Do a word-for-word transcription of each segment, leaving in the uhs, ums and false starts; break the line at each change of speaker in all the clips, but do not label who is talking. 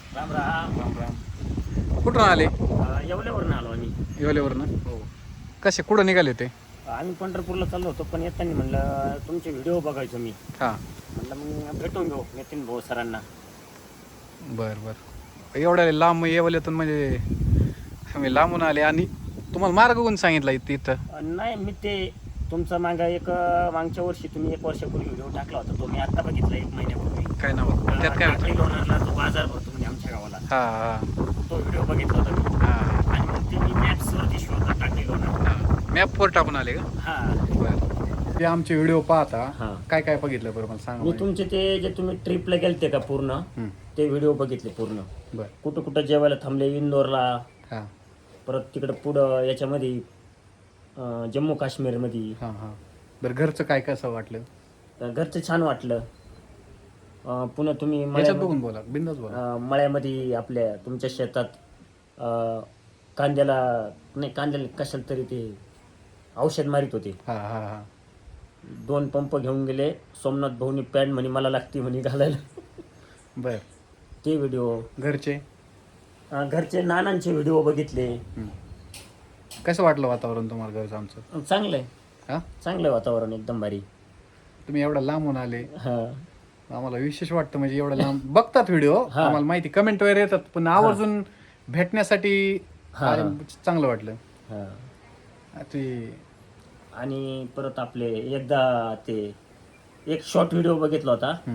राम राम.
राम राम. कुठून आले?
अं, येवल्यावरून आलो आम्ही.
येवल्यावरनं.
हो.
कसे कुठं निघाले ते?
आम्ही पंढरपूरला चाललो होतो, पण येताना म्हणलं तुमचे व्हिडिओ बघायचो मी.
हां.
म्हणलं मग भेटून घेऊ नितीन भाऊ सरांना.
बरं बरं. एवढ्या लांब येवल्यातून म्हणजे आम्ही लांबून आले आणि तुम्हाला मार्ग कोण सांगितला इथं इथं?
अं, नाही मी ते तुमचा मागा एक अं, मागच्या वर्षी तुम्ही एक वर्षापूर्वी व्हिडिओ टाकला होता, तो मी आता बघितला एक महिन्यापूर्वी.
काय नाव होतं? त्यात काय होतं?
टाकळी लोणारला जो बाजार भरतो म्हणजे आमच्या गावाला,
हां हां
तो व्हिडिओ बघितला होता मी.
हां
आणि मग ते मी मॅप्सवरती शोधला टाकळी लोणार.
हां. मॅपवर टाकून आले का?
हां.
बरं. ते आमचे व्हिडिओ पाहता
हां.
काय काय बघितलं बरं मला सांगा
मी
म्हणजे.
तुमचे ते जे तुम्ही ट्रिपला गेलते का पूर्ण,
हं.
ते व्हिडिओ बघितले पूर्ण.
बरं.
कुठं कुठं जेवायला थांबले इंदोरला,
हां
परत तिकडं पुढं याच्यामध्ये अं, जम्मू काश्मीरमध्ये.
हां हां. बरं घरचं काय कसं वाटलं?
अं, घरचं छान वाटलं. अं, पुन्हा तुम्ही
याच्यात
मळ्यामध्ये
बघून बोला, बिंदास बोला.
अं, मळ्यामध्ये आपल्या तुमच्या शेतात अं, कांद्याला नाही कांद्याला कशाला तरी ते औषध मारित होते.
हां हां हां.
दोन पंप घेऊन गेले. सोमनाथ भाऊनी पॅन्ट म्हणे मला लागती म्हणे घालायला.
बरं.
ते व्हिडिओ.
घरचे?
घरचे नानांचे व्हिडिओ बघितले.
हं. कसं वाटलं वातावरण तुम्हाला घरचं आमचं?
चांगलं आहे.
हां.
चांगलं आहे वातावरण एकदम भारी.
तुम्ही एवढा लांबून आले,
हां.
आम्हाला विशेष वाटतं म्हणजे एवढं लांब बघतात व्हिडिओ,
हा.
आम्हाला माहिती कमेंट वगैरे येतात, पण आवर्जून भेटण्यासाठी
हा.
आले, चांगलं वाटलं.
हां.
ते
आणि परत आपले एकदा ते एक शॉर्ट व्हिडिओ बघितला होता.
हं.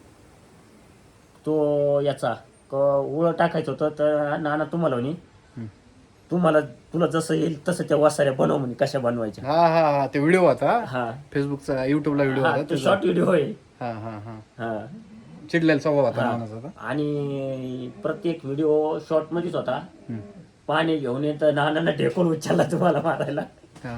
तो याचा क उळं टाकायचं होतं, तर नाना तुम्हाला म्हणे
हं.
तुम्हाला तुला जसं येईल तसं त्या वासाऱ्या बनव म्हणे कशा बनवायच्या.
हा हा हा ते व्हिडिओ होता
हा.
फेसबुकचा, युट्यूबला व्हिडिओ
हा,
होता
तो
त्याचा.
शॉर्ट व्हिडिओ आहे.
हा हा हा.
हा.
चिडलेला स्वभाव होता
हा.
नानाचा होता.
आणि प्रत्येक व्हिडिओ शॉर्ट मध्येच होता.
हं.
पाणी घेऊन येतं नानांना ढेकून उचलला तुम्हाला मारायला.
हा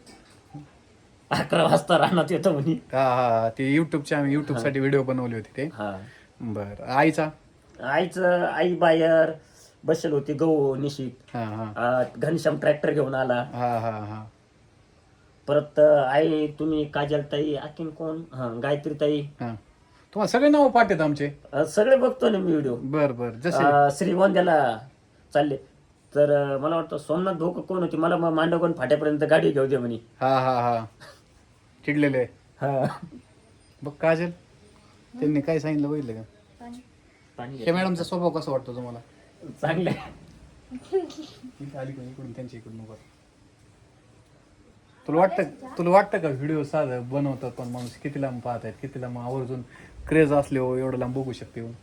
अकरा वाजता रानात येतं म्हणे.
हा हा. ते युट्यूबच्या आम्ही युट्यूब साठी व्हिडिओ बनवले होते ते.
हा.
बरं. आईचा?
आईचं आई बाहेर बसेल होती गहू निशीत.
हा हा
आ, घनश्याम ट्रॅक्टर घेऊन आला.
हा हा हा.
परत आई तुम्ही काजल ताई आणखीन कोण हा गायत्री ताई.
हा. तुम्हाला सगळे नाव पाठवत आमचे?
अ, सगळे बघतो ना मी व्हिडिओ.
बर बर. जसे
श्रीगोंद्याला चालले तर अ, मला वाटतं सोमनाथ भाऊ कोण होती, मला मग मांडवगण फाट्यापर्यंत गाडी घेऊ दे म्हणे.
हा हा हा. चिडलेले.
हा.
बघ काजल, त्यांनी काय सांगितलं बघितलं का?
पाणी
त्या मॅडमचा स्वभाव कसा वाटतो तुम्हाला?
चांगलं.
इथं आली कोणी इकडून त्यांच्या इकडून उभा. तुला वाटतं तुला वाटतं का व्हिडिओ साधं बनवतात पण माणूस किती लांब पाहत आहेत, किती लांब आवर्जून क्रेज असले हो एवढं लांब बघू शकते हो.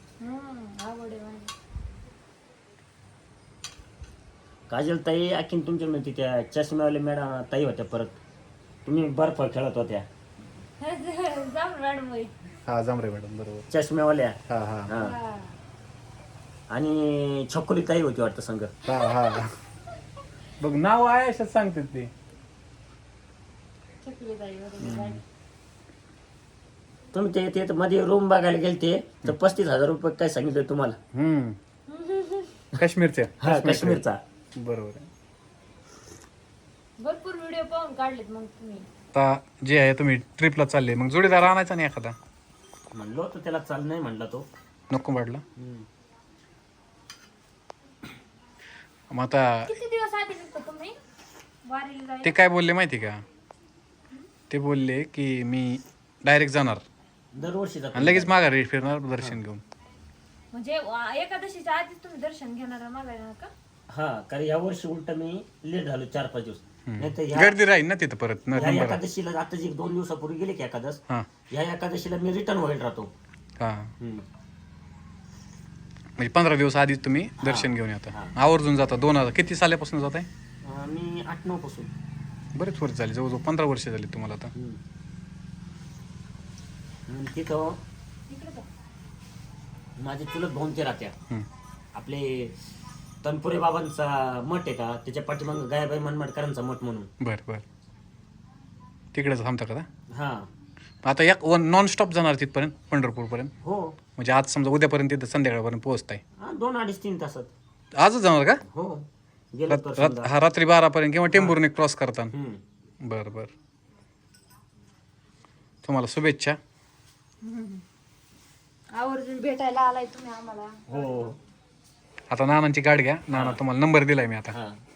काजल ताई आणखीन तुमच्या म्हणते त्या चष्म्यावाल्या मॅडम ताई होत्या. परत तुम्ही बर्फ खेळत होत्या
हा जांभरे मॅडम बरोबर.
चष्म्यावाल्या.
हा हा
हा. आणि छकुली ताई होती वाटतं संघ.
हा हा. बघ नाव आहे अशाच सांगतात ते.
तुम्ही ते ते मध्ये रूम बघायला गेलते तर पस्तीस हजार रुपये काय सांगितलं तुम्हाला.
हम्म. काश्मीरच्या.
हा काश्मीरचा.
बरोबर आहे.
भरपूर व्हिडिओ पाहून काढलेत मग तुम्ही.
आता जे आहे तुम्ही ट्रिपला चालले, मग जोडीदार आणायचा नाही एखादा?
म्हणलो तर त्याला चाल नाही म्हणला तो.
नको वाटलं. मग आता
किती दिवस आधी निघतो तुम्ही वारीला जायला?
ते काय बोलले माहिती का? ते बोलले की मी डायरेक्ट जाणार
दरवर्षी जातो.
आणि लगेच माघारी फिरणार दर्शन घेऊन.
म्हणजे वा- एकादशीच्या आधीच तुम्ही दर्शन घेणार मागायला का?
हा, कारण या वर्षी उलट मी लेट झालो चार पाच दिवस. नाही तर
गर्दी राहील ना तिथं परत न-
या
नंबर.
एकादशीला आता जे दोन दिवसापूर्वी गेले की एकादश,
हा
या एकादशीला मी रिटर्न व्हायला राहतो.
हा.
हम्म.
म्हणजे पंधरा दिवस आधीच तुम्ही दर्शन घेऊन येता. आवर्जून जाता. दोन हजार किती साल्यापासून जात आहे?
अं, मी आठ नऊ पासून.
बरेच वर्ष झाले, जवळजवळ पंधरा वर्ष झाली तुम्हाला आता.
हम्म. मग तिथं
इकडे जा.
माझे चुलत भाऊन ते राहत्या.
हम्म.
आपले तनपुरे बाबांचा मठ आहे का, त्याच्या पाठीमाग गायबाई मनमाडकरांचा मठ म्हणून.
बर बर. तिकडेच थांबता का?
हा.
आता एक वन नॉन स्टॉप जाणार तिथपर्यंत पंढरपूरपर्यंत?
हो.
म्हणजे आज समजा उद्यापर्यंत तिथं संध्याकाळपर्यंत पोहोचताय?
हा, दोन अडीच तीन तासात.
आजच जाणार का?
हो. गेलो तर
रात-
समजा.
हा रात्री बारापर्यंत किंवा टेंभूरने क्रॉस करता?
हम्म.
बर बर. तुम्हाला शुभेच्छा.
आवर्जून भेटायला आलाय तुम्ही आम्हाला.
हो
आता नानांची गाठ घ्या, नाना तुम्हाला नंबर दिलाय मी आता.
हा